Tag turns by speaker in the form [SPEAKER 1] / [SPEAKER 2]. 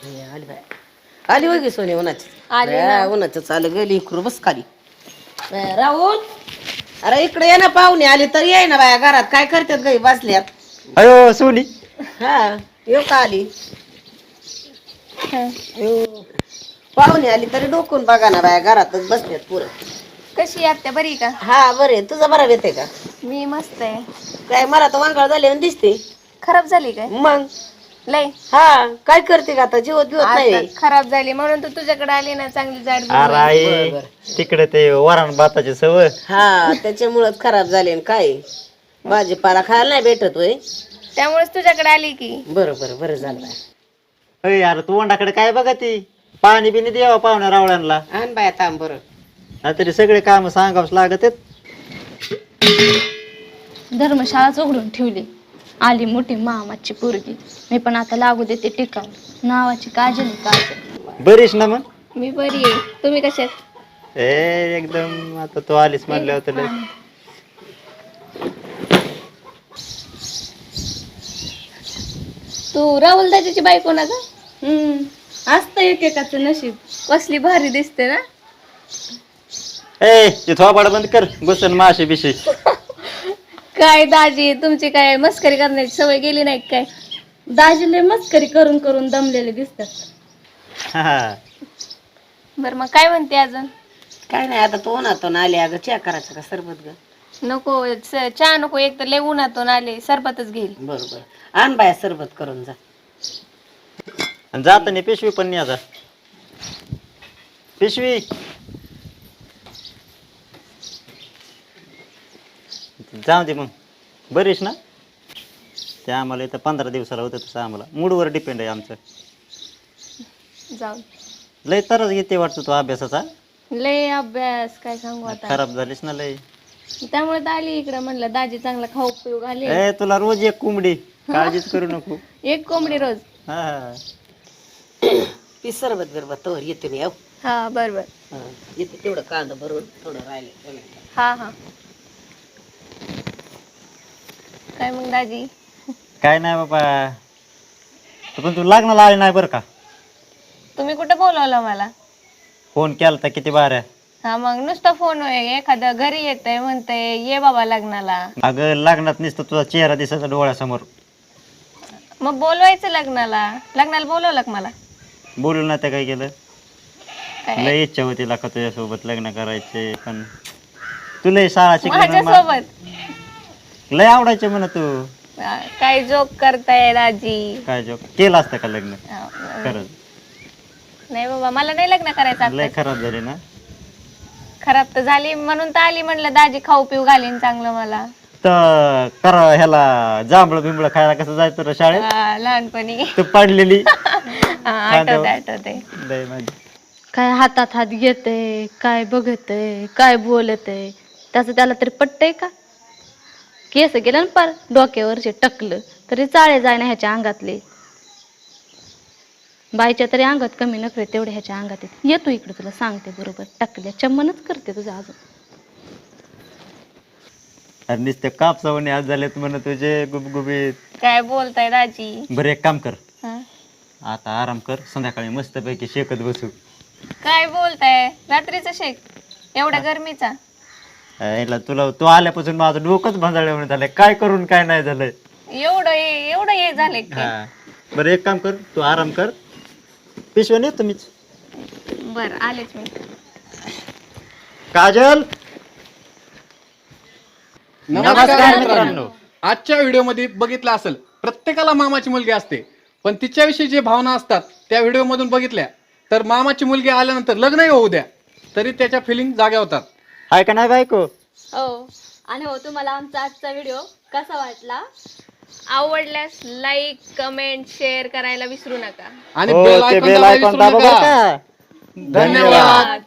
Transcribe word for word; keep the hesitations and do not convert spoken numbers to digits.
[SPEAKER 1] आली बाय आली वगी सोनी उन्हाची उन्हाचं चालू गेली इकडं बस खाली राहुल अरे इकडे ये ना पाहुणे आली तर ये ना बाया घरात काय करतात गाई बसल्यात
[SPEAKER 2] अयो सोनी
[SPEAKER 1] हा येऊ का आली पाहुणे आली तरी डोकून बघा ना बाया घरातच बसल्यात पुरं
[SPEAKER 3] कशी आत्या बरी का?
[SPEAKER 1] हा बरे तुझा बरा येते का?
[SPEAKER 3] मी मस्त आहे.
[SPEAKER 1] काय मला तर वांगाळ झाले दिसते
[SPEAKER 3] खराब झाली काय?
[SPEAKER 1] मग
[SPEAKER 3] लय
[SPEAKER 1] हा काय करते का आता जीवत जीवत नाही
[SPEAKER 3] खराब झाली म्हणून तर तुझ्याकडे आली ना चांगली जाड
[SPEAKER 2] अरे तिकडे ते वरण भाताची सवय
[SPEAKER 1] हा त्याच्यामुळेच खराब झाले न काय भाजीपाला खायला नाही भेटत होय
[SPEAKER 3] त्यामुळेच तुझ्याकडे आली की.
[SPEAKER 1] बरं बरं बरं झालं
[SPEAKER 2] अय यार तू वंडाकडे काय बघा ती पाणी बिनी द्यावा पाहुण्या रावळ्यांना
[SPEAKER 1] आण बाया थांब बरं
[SPEAKER 2] नाहीतरी सगळे काम सांगावच लागत आहेत.
[SPEAKER 4] धर्मशाळाच उघडून ठेवली. आली मोठी मामाची पोरगी. मी पण आता लागू देते टिकाव नावाची काजल काजल.
[SPEAKER 2] बरीच ना मग
[SPEAKER 3] मी बरी आहे. तुम्ही कशात?
[SPEAKER 2] ए एकदम आता तू आलीस म्हणल्यावर तर लय.
[SPEAKER 3] तू राहुल दादाची बायको ना ग?
[SPEAKER 4] हम्म असतं एकेकाचं नशीब.
[SPEAKER 3] कसली भारी दिसते ना.
[SPEAKER 2] ए ते थोबाड बंद कर घुसन माशी बिशी.
[SPEAKER 3] काय दाजी तुमची काय मस्करी करण्याची सवय गेली नाही काय?
[SPEAKER 4] दाजीले मस्करी करून करून दमलेले दिसतात.
[SPEAKER 2] हा
[SPEAKER 3] बर मग काय म्हणते अजून?
[SPEAKER 1] काय नाही आता तो उन्हातून आले अगं चहा करायचं का सरबत ग
[SPEAKER 3] नको च- चहा नको एक तर लय उन्हातून आले सरबतच घेईल.
[SPEAKER 1] बरं बरं आण बाया सरबत करून जा
[SPEAKER 2] आणि जाताना पिशवी पण नाही आता पिशवी जाऊ दे मग बरीच ना ते आम्हाला इथं पंधरा दिवसाला होतं तसं आम्हाला मूडवर डिपेंड आहे आमचं.
[SPEAKER 3] जाऊ
[SPEAKER 2] लय तरच घेते वाटतं तो अभ्यासाचा.
[SPEAKER 3] लय अभ्यास काय सांगू आता.
[SPEAKER 2] खराब झालीस ना लय.
[SPEAKER 3] त्यामुळे तर आली इकडं म्हणलं दाजी चांगला खाऊ पिऊ घाले.
[SPEAKER 2] ए तुला रोज एक कोंबडी काळजीच करू नको.
[SPEAKER 3] एक कोंबडी रोज.
[SPEAKER 2] हा
[SPEAKER 1] ती सरबत बिरबत तवर येते मी
[SPEAKER 3] हा बर बर.
[SPEAKER 1] येते तेवढं कांदा भरून थोडं राहिले
[SPEAKER 3] हा हा काय मग दाजी?
[SPEAKER 2] काय नाही बाबा तू पण तू लग्नाला आली नाही बरं का.
[SPEAKER 3] तुम्ही कुठं बोलवलं मला?
[SPEAKER 2] फोन केला तर किती बाऱ्या.
[SPEAKER 3] हा मग नुसतं फोन आहे एखादं घरी येतंय म्हणतंय ये बाबा लग्नाला.
[SPEAKER 2] अगं लग्नात नुसतं तुझा चेहरा दिसायचा डोळ्यासमोर.
[SPEAKER 3] मग बोलवायचं लग्नाला. लग्नाला बोलवलं का मला?
[SPEAKER 2] बोलून ना ते काय केलं
[SPEAKER 3] काय?
[SPEAKER 2] लय इच्छा होती लाका तुझ्यासोबत लग्न करायचे पण तुला शाळा शिकली
[SPEAKER 3] माझ्यासोबत
[SPEAKER 2] लय आवडायचे म्हणा तू.
[SPEAKER 3] हा, काय जोक करताय दाजी?
[SPEAKER 2] काय जो केलं असतं का लग्न
[SPEAKER 3] हा,
[SPEAKER 2] खरंच
[SPEAKER 3] नाही बाबा मला नाही लग्न करायचं
[SPEAKER 2] लय
[SPEAKER 3] आता.
[SPEAKER 2] खराब झाली ना.
[SPEAKER 3] खराब तर झाली म्हणून तर आली म्हणलं दाजी खाऊ पिऊ घालीन चांगलं मला.
[SPEAKER 2] तर करा ह्याला जांभळं बिंबळ खायला कसं जायचं रे शाळेत
[SPEAKER 3] हा, लहानपणी
[SPEAKER 2] तू पडलेली
[SPEAKER 3] हा, आठवते आठवते.
[SPEAKER 2] लय माझी.
[SPEAKER 4] काय हातात हात घेते काय बघते काय बोलते त्याचं त्याला तरी पटतंय का. केस गेलं ना पार डोक्यावरचे टकलं तरी चाळे जाय ना ह्याच्या अंगातले. बाईच्या तरी अंगात कमी नखरे तेवढे ह्याच्या अंगात येते. येतो इकडे तुला सांगते बरोबर टाकल्या चम्मनच करते तुझं अजून.
[SPEAKER 2] अरे नुसते कापसावणी आज झालेत म्हण तुझे गुबगुबीत.
[SPEAKER 3] काय बोलताय दाजी?
[SPEAKER 2] बरं एक काम कर
[SPEAKER 3] हा?
[SPEAKER 2] आता आराम कर संध्याकाळी मस्तपैकी शेकत बसू.
[SPEAKER 3] काय बोलताय? रात्रीचा शेक एवढ्या गरमीचा?
[SPEAKER 2] याला तुला तू आल्यापासून माझं डोकंच भांजाळलं झालंय काय करून काय नाही झालंय.
[SPEAKER 3] एवढं हे- एवढं हे झालंय काय?
[SPEAKER 2] हा बरं एक काम कर तू आराम कर पिशव्या नाही तुम्हीच.
[SPEAKER 3] बर आलेच मी.
[SPEAKER 2] काजल
[SPEAKER 5] नमस्कार मित्रांनो. आजच्या व्हिडिओमध्ये बघितलं असेल प्रत्येकाला मामाची मुलगी असते पण तिच्याविषयी जे भावना असतात त्या व्हिडिओमधून बघितल्या तर मामाची मुलगी आल्यानंतर लग्नही होऊ द्या तरी त्याच्या फिलिंग जाग्या होतात.
[SPEAKER 2] हाय का नाही बायको.
[SPEAKER 4] हो आणि हो तुम्हाला आमचा आजचा व्हिडिओ कसा वाटला?
[SPEAKER 3] आवडल्यास लाईक कमेंट शेअर करायला विसरू नका
[SPEAKER 5] आणि
[SPEAKER 2] हो,
[SPEAKER 5] बेल
[SPEAKER 2] ते
[SPEAKER 5] आयकॉन
[SPEAKER 2] बेल
[SPEAKER 5] दाबायला
[SPEAKER 2] आयकॉन
[SPEAKER 5] विसरू
[SPEAKER 2] दाबा बरं
[SPEAKER 5] नका.
[SPEAKER 2] का.
[SPEAKER 5] धन्यवाद.